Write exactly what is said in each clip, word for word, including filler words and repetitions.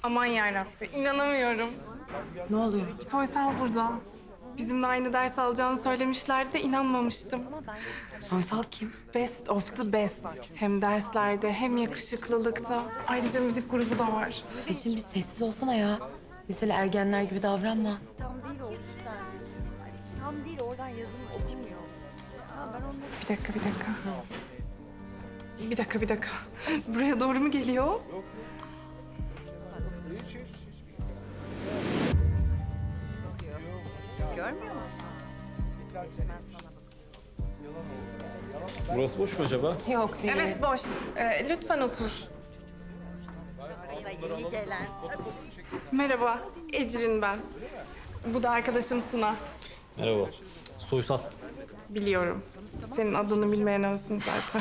Aman yarabbim, inanamıyorum. Ne oluyor? Soysal burada. Bizimle aynı ders alacağını söylemişlerdi de inanmamıştım. Soysal kim? Best of the best. Hem derslerde hem yakışıklılıkta. Ayrıca müzik grubu da var. Ecrin bir sessiz olsana ya. Liseli ergenler gibi davranma. Tam değil o yüzden. Tam değil oradan yazım okumuyor. Ha, ben onları... Bir dakika, bir dakika. Bir dakika, bir dakika. Buraya doğru mu geliyor? Görmüyor musun? Resmen sana bakıyor. Burası boş mu acaba? Yok değil. Evet, boş. Ee, lütfen otur. O da yeni gelen. Merhaba, Ecrin ben. Bu da arkadaşım Suna. Merhaba. Soysal. Biliyorum. Senin adını bilmeyen olsun zaten.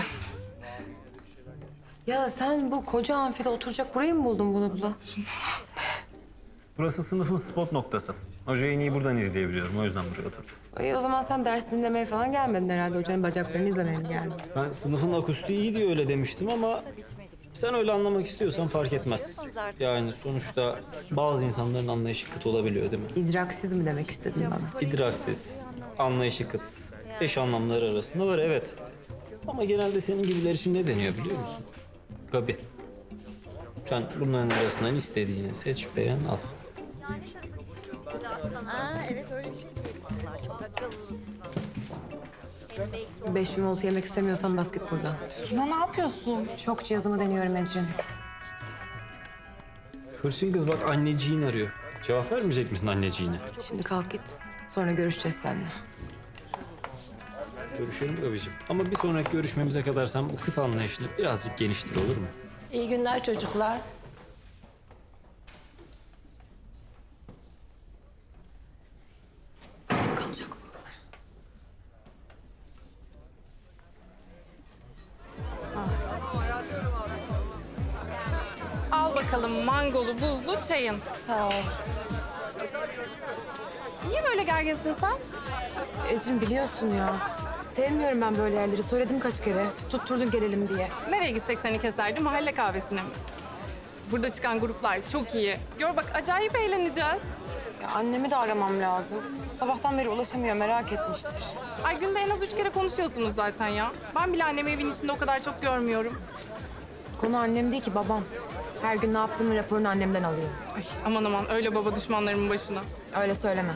Ya sen bu koca amfide oturacak burayı mı buldun bula bula? Burası sınıfın spot noktası. Hocayı en iyi buradan izleyebiliyorum. O yüzden buraya oturdum. İyi o zaman sen ders dinlemeye falan gelmedin herhalde. Hocanın bacaklarını izlemeye mi geldin? Ben sınıfın akustiği iyi diye öyle demiştim ama sen öyle anlamak istiyorsan fark etmez. Yani sonuçta bazı insanların anlayışı kıt olabiliyor değil mi? İdraksiz mi demek istedin bana? İdraksiz, anlayışı kıt, eş anlamları arasında var evet. Ama genelde senin gibiler için ne deniyor biliyor musun? Gabi. Sen bunların arasından istediğini seç, beğen, al. Aa evet öyle bir şey diyorlar. Çok akıllısın. Beş bin voltu yemek istemiyorsan bas git buradan. Suna ne yapıyorsun? Şok cihazımı deniyorum Ecrin. Hırsın kız bak anneciğin arıyor. Cevap vermeyecek misin anneciğine? Şimdi kalk git. Sonra görüşeceğiz seninle. Görüşelim Gabi'ciğim. Ama bir sonraki görüşmemize kadar sen bu kıt anlayışını birazcık geniştir olur mu? İyi günler çocuklar. Burada kalacak bu. Al bakalım mangolu, buzlu çayın. Sağ ol. Niye böyle gerginsin sen? Ecrin biliyorsun ya. Sevmiyorum ben böyle yerleri. Söyledim kaç kere. Tutturdun gelelim diye. Nereye gitsek seni keserdi? Mahalle kahvesine mi? Burada çıkan gruplar çok iyi. Gör bak acayip eğleneceğiz. Ya annemi de aramam lazım. Sabahtan beri ulaşamıyor, merak etmiştir. Ay günde en az üç kere konuşuyorsunuz zaten ya. Ben bile annemi evin içinde o kadar çok görmüyorum. Konu annem değil ki babam. Her gün ne yaptığımın raporunu annemden alıyor. Ay aman aman öyle baba düşmanlarımın başına. Öyle söyleme.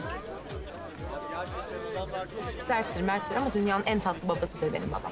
Serttir, merttir ama dünyanın en tatlı babasıdır benim babam.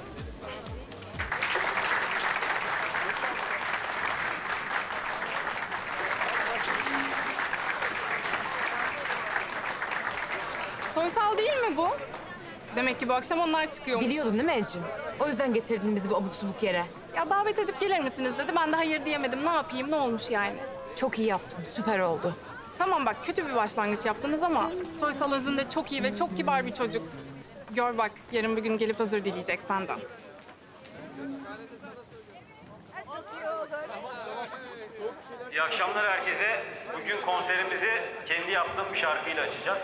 Soysal değil mi bu? Demek ki bu akşam onlar çıkıyormuş. Biliyordun değil mi Ecrin? O yüzden getirdin bizi bu abuk subuk yere. Ya davet edip gelir misiniz dedi. Ben de hayır diyemedim. Ne yapayım? Ne olmuş yani? Çok iyi yaptın, süper oldu. Tamam bak kötü bir başlangıç yaptınız ama Soysal özünde çok iyi ve çok kibar bir çocuk. Gör bak yarın bir gün gelip özür dileyecek senden. İyi akşamlar herkese. Bugün konserimizi kendi yaptığım bir şarkıyla açacağız.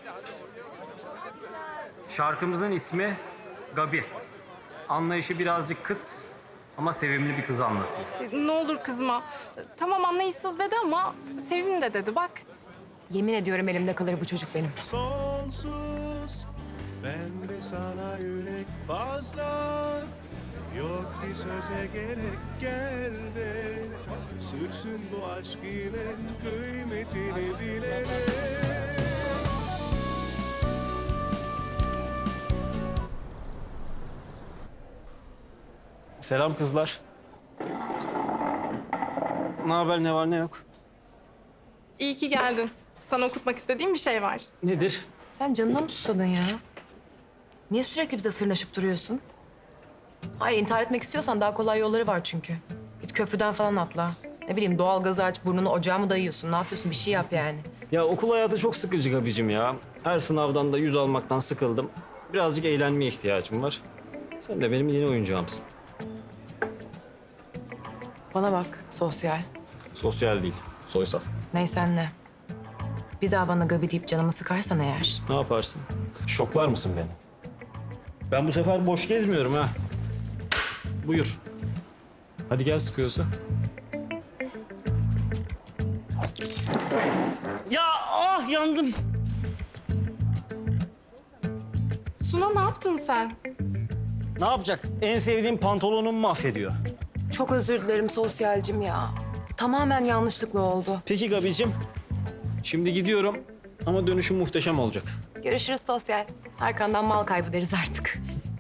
Şarkımızın ismi Gabi. Anlayışı birazcık kıt ama sevimli bir kızı anlatıyor. E, Ne olur kızma. E, Tamam anlayışsız dedi ama sevimli de dedi bak. Yemin ediyorum elimde kalır bu çocuk benim. Sonsuz ben de sana yürek fazla. Yok bir söze gerek gel de sürsün bu aşk yine kıymetini bilerek. Selam kızlar. Ne haber, ne var ne yok? İyi ki geldin. Sana okutmak istediğim bir şey var. Nedir? Sen canına mı susadın ya? Niye sürekli bize sırnaşıp duruyorsun? Hayır, intihar etmek istiyorsan daha kolay yolları var çünkü. Git köprüden falan atla. Ne bileyim doğalgazı aç, burnunu ocağa mı dayıyorsun? Ne yapıyorsun? Bir şey yap yani. Ya okul hayatı çok sıkıcı Gabi'cim ya. Her sınavdan da yüz almaktan sıkıldım. Birazcık eğlenmeye ihtiyacım var. Sen de benim yeni oyuncağımsın. Bana bak, sosyal. Sosyal değil, soysal. Neysen ne. Bir daha bana Gabi deyip canımı sıkarsan eğer... Ne yaparsın? Şoklar mısın beni? Ben bu sefer boş gezmiyorum ha. Buyur. Hadi gel sıkıyorsa. Ya ah yandım. Suna ne yaptın sen? Ne yapacak? En sevdiğim pantolonumu mahvediyor. Çok özür dilerim sosyalcim ya. Tamamen yanlışlıkla oldu. Peki Gabi'cim. Şimdi gidiyorum ama dönüşüm muhteşem olacak. Görüşürüz sosyal. Arkandan mal kaybı deriz artık.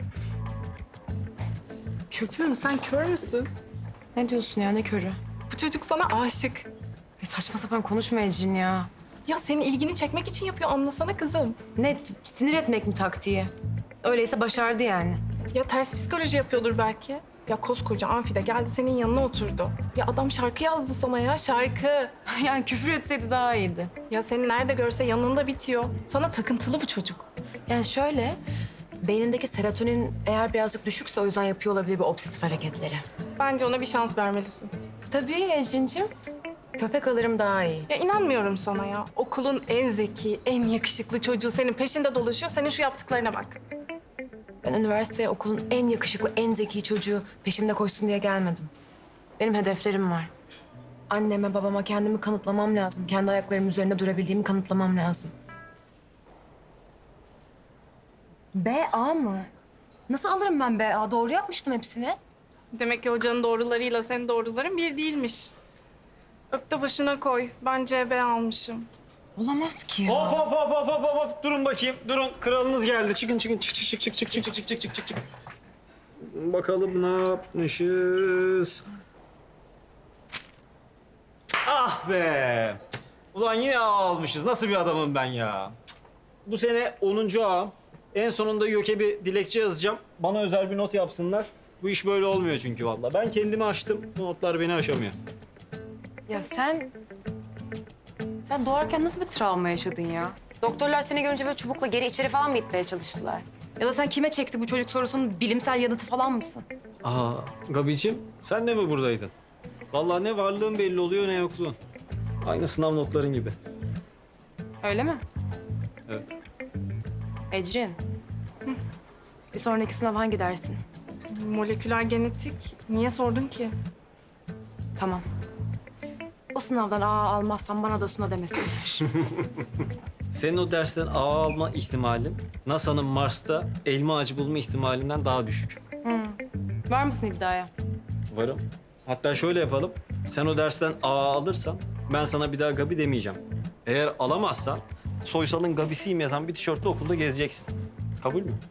Köpüğüm sen kör müsün? Ne diyorsun ya, ne körü? Bu çocuk sana aşık. Ay saçma sapan konuşma Ecrin ya. Ya senin ilgini çekmek için yapıyor, anlasana kızım. Ne, sinir etmek mi taktiği? Öyleyse başardı yani. Ya ters psikoloji yapıyordur belki. Ya koskoca amfide geldi senin yanına oturdu. Ya adam şarkı yazdı sana ya, şarkı. Yani küfür etseydi daha iyiydi. Ya seni nerede görse yanında bitiyor. Sana takıntılı bu çocuk. Yani şöyle, beynindeki serotonin eğer birazcık düşükse o yüzden yapıyor olabilir bu obsesif hareketleri. Bence ona bir şans vermelisin. Tabii Ecrin'cim. Köpek alırım daha iyi. Ya inanmıyorum sana ya. Okulun en zeki, en yakışıklı çocuğu senin peşinde dolaşıyor. Senin şu yaptıklarına bak. Ben üniversiteye okulun en yakışıklı, en zeki çocuğu peşimde koşsun diye gelmedim. Benim hedeflerim var. Anneme, babama kendimi kanıtlamam lazım. Kendi ayaklarımın üzerinde durabildiğimi kanıtlamam lazım. B A mı? Nasıl alırım ben B A? Doğru yapmıştım hepsini. Demek ki hocanın doğrularıyla senin doğruların bir değilmiş. Öp de başına koy. Ben C B almışım. Olamaz ki Hop ya. hop hop hop hop hop hop. Durun bakayım. Durun. Kralınız geldi. Çıkın çıkın. Çık çık çık çık çık çık çık çık çık çık çık. Bakalım ne yapmışız. Ah be. Ulan yine A almışız. Nasıl bir adamım ben ya. Bu sene onuncu ağam. En sonunda YÖK'e bir dilekçe yazacağım. Bana özel bir not yapsınlar. Bu iş böyle olmuyor çünkü vallahi. Ben kendimi aştım. Bu notlar beni aşamıyor. Ya sen... Sen doğarken nasıl bir travma yaşadın ya? Doktorlar seni görünce böyle çubukla geri içeri falan mı itmeye çalıştılar? Ya da sen kime çekti bu çocuk sorusunun bilimsel yanıtı falan mısın? Aa, Gabi'ciğim sen de mi buradaydın? Vallahi ne varlığın belli oluyor ne yokluğun. Aynı sınav notların gibi. Öyle mi? Evet. Ecrin. Bir sonraki sınav hangi dersin? Moleküler genetik. Niye sordun ki? Tamam. O sınavdan A almazsan bana da Suna demesinler. Senin o dersten A alma ihtimalin NASA'nın Mars'ta elma ağacı bulma ihtimalinden daha düşük. Var mısın iddiaya? Varım. Hatta şöyle yapalım. Sen o dersten A alırsan ben sana bir daha Gabi demeyeceğim. Eğer alamazsan Soysal'ın Gabi'siyim yazan bir tişörtle okulda gezeceksin. Kabul mü?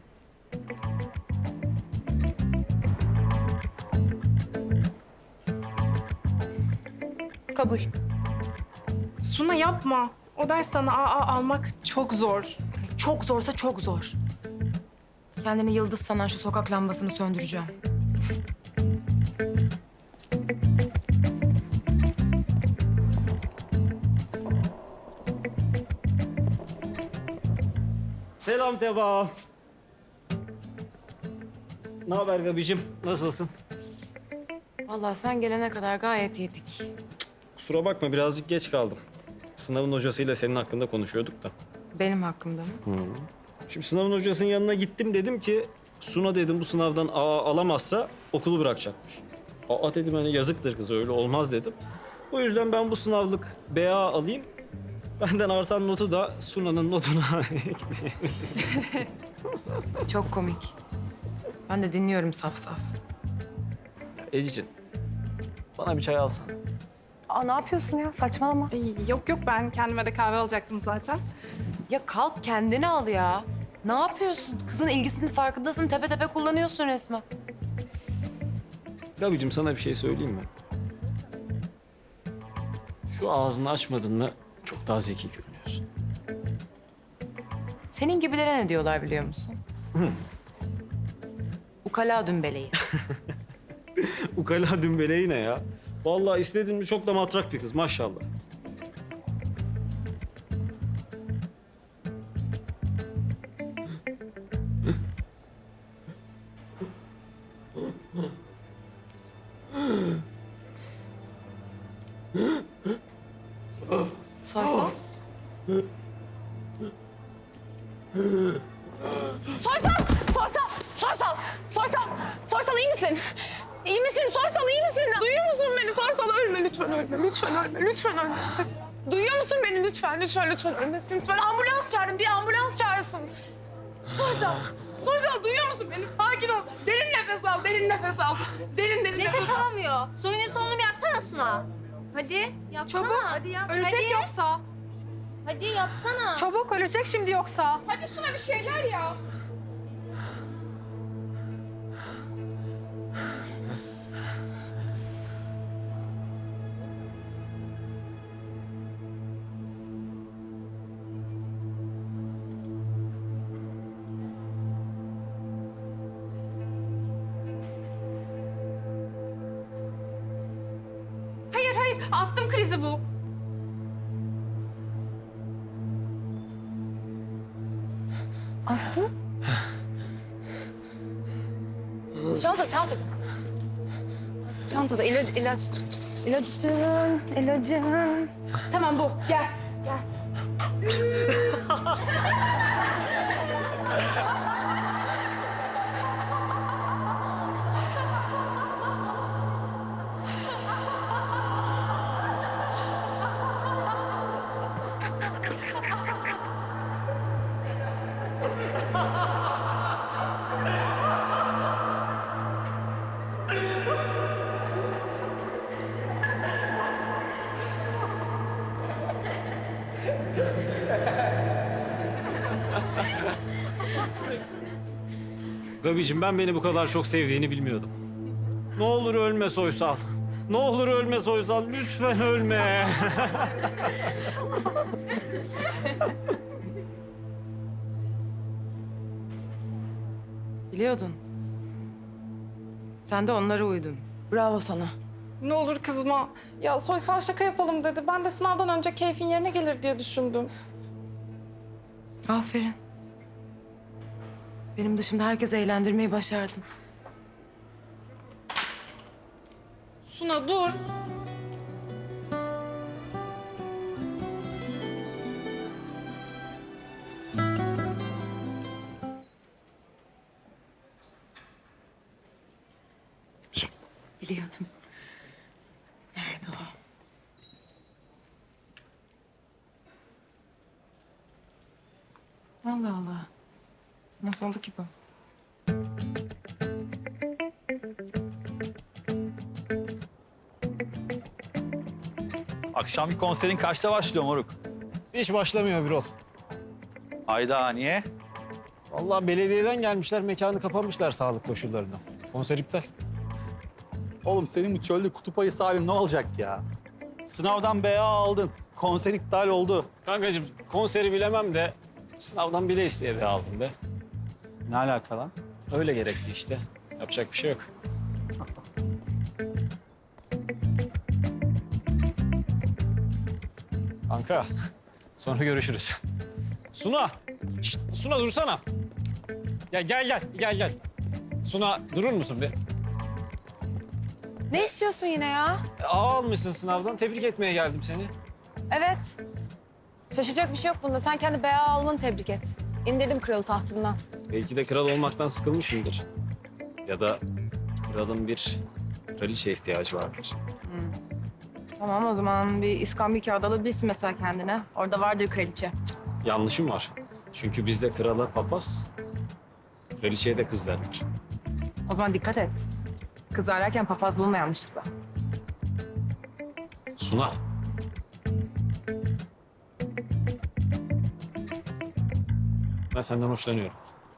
Kabul. Suna yapma. O dersten A A almak çok zor. Çok zorsa çok zor. Kendini yıldız sanan şu sokak lambasını söndüreceğim. Selam Teba. Ne haber Gabi'cim? Nasılsın? Vallahi sen gelene kadar gayet iyiydik. Kusura bakma birazcık geç kaldım. Sınavın hocasıyla senin hakkında konuşuyorduk da. Benim hakkımda mı? Şimdi sınavın hocasının yanına gittim dedim ki Suna dedim bu sınavdan A alamazsa okulu bırakacakmış. Aa dedim hani yazıktır kız öyle olmaz dedim. O yüzden ben bu sınavlık B A alayım. Benden artan notu da Suna'nın notuna ekleyeyim. Çok komik. Ben de dinliyorum saf saf. Ecicin bana bir çay alsana. Aa ne yapıyorsun ya? Saçmalama. Ay, yok yok ben kendime de kahve alacaktım zaten. Ya kalk kendini al ya. Ne yapıyorsun? Kızın ilgisinin farkındasın. Tepe tepe kullanıyorsun resmen. Gabicim sana bir şey söyleyeyim mi? Şu ağzını açmadın mı çok daha zeki görünüyorsun. Senin gibilere ne diyorlar biliyor musun? Ukala dümbeleyi. Ukala dümbeleği ne ya? Vallahi istediğin mi çok da matrak bir kız maşallah. Soysal. Soysal! Soysal! Soysal! Soysal! Soysal iyi misin? İyi misin? Soysal iyi misin? Duyuyor musun beni? Soysal ölme lütfen ölme. Lütfen ölme. Lütfen ölme. Duyuyor musun beni? Lütfen, lütfen, lütfen ölmesin. Lütfen ambulans çağırın. Bir ambulans çağırsın. Soysal. Soysal duyuyor musun beni? Sakin ol. Derin nefes al. Derin nefes al. Derin derin nefes, Nefes al. alamıyor. Soyunun solunumu yapsana Suna. Hadi yapsana. Çabuk. Hadi yap. Ölecek Hadi. yoksa. Hadi yapsana. Çabuk ölecek şimdi yoksa. Hadi Suna bir şeyler ya. Hayır hayır astım krizi bu. Astım? Çanta, çanta. Çantada ilaç, ilaç. İlacın, ilacın. Tamam bu, gel. Gel. Gabicim ben beni bu kadar çok sevdiğini bilmiyordum. Ne olur ölme Soysal. Ne olur ölme Soysal. Lütfen ölme. Biliyordun. Sen de onlara uydun. Bravo sana. Ne olur kızma. Ya Soysal şaka yapalım dedi. Ben de sınavdan önce keyfin yerine gelir diye düşündüm. Aferin. Benim dışımda herkes eğlendirmeyi başardın. Suna dur. Yes, biliyordum. Nerede o? Allah Allah. Nasıl oldu ki bu? Akşamki konserin kaçta başlıyor moruk? Hiç başlamıyor Birol. Hayda niye? Vallahi belediyeden gelmişler, mekanı kapamışlar sağlık koşullarından. Konser iptal. Oğlum senin bu çölde kutup ayısı abim ne olacak ya? Sınavdan B A aldın. Konser iptal oldu. Kankacığım konseri bilemem de sınavdan bile isteye bir aldım be. Ne alaka lan? Öyle gerekti işte. Yapacak bir şey yok. Kanka, sonra görüşürüz. Suna! Şşt, Suna dursana. Ya gel gel, gel gel. Suna durur musun bir? Ne istiyorsun yine ya? A almışsın sınavdan. Tebrik etmeye geldim seni. Evet. Şaşacak bir şey yok bunda. Sen kendi B A almanı tebrik et. İndirdim kralı tahtımdan. Belki de kral olmaktan sıkılmışımdır. Ya da kralın bir kraliçe ihtiyacı vardır. Tamam o zaman bir iskambil kağıdı alabilirsin mesela kendine. Orada vardır kraliçe. Yanlışım var. Çünkü bizde krala papaz, kraliçeye de kız derler. O zaman dikkat et. Kız ararken papaz bulma yanlışlıkla. Suna. Ben senden hoşlanıyorum.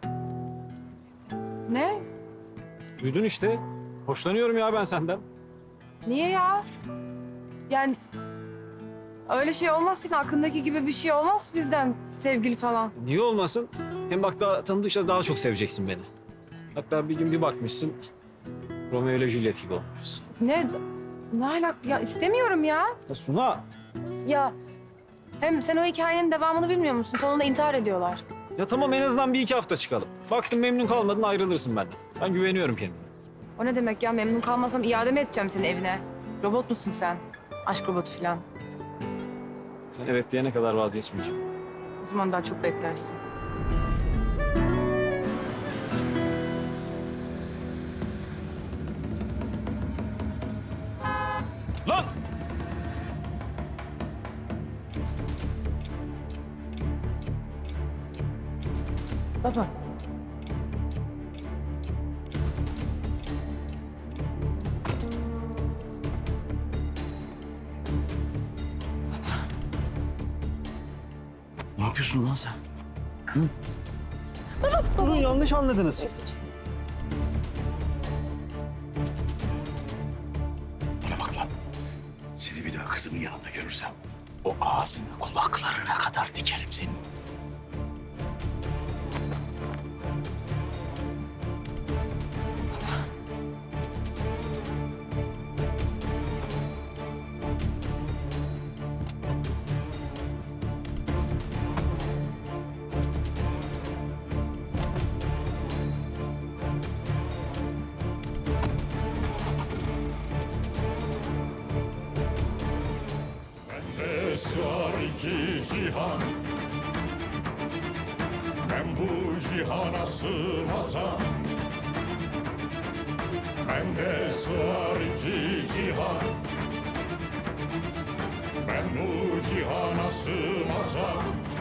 Ne? Duydun işte. Hoşlanıyorum ya ben senden. Niye ya? Yani öyle şey olmaz senin aklındaki gibi bir şey olmaz bizden sevgili falan. Niye olmasın? Hem bak daha tanıdıkça daha çok seveceksin beni. Hatta bir gün bir bakmışsın Romeo ile Juliet gibi olmuşuz. Ne? Ne alak? Ya istemiyorum ya. Ya Suna. Ya hem sen o hikayenin devamını bilmiyor musun? Sonunda intihar ediyorlar. Ya tamam en azından bir iki hafta çıkalım. Baktın memnun kalmadın ayrılırsın benden. Ben güveniyorum kendime. O ne demek ya? Memnun kalmasam iade mi edeceğim seni evine? Robot musun sen? Aşk robotu falan. Sen evet diyene kadar vazgeçmeyeceğim. O zaman daha çok beklersin. Baba. Ne yapıyorsun lan sen? Hı? Durun, yanlış anladınız. Bana bak lan. Seni bir daha kızımın yanında görürsem o ağzını kulaklarına kadar dikerim senin. Sığar iki cihan, ben bu cihana sığmazam. Bende sığar iki cihan, ben bu cihana sığmazam.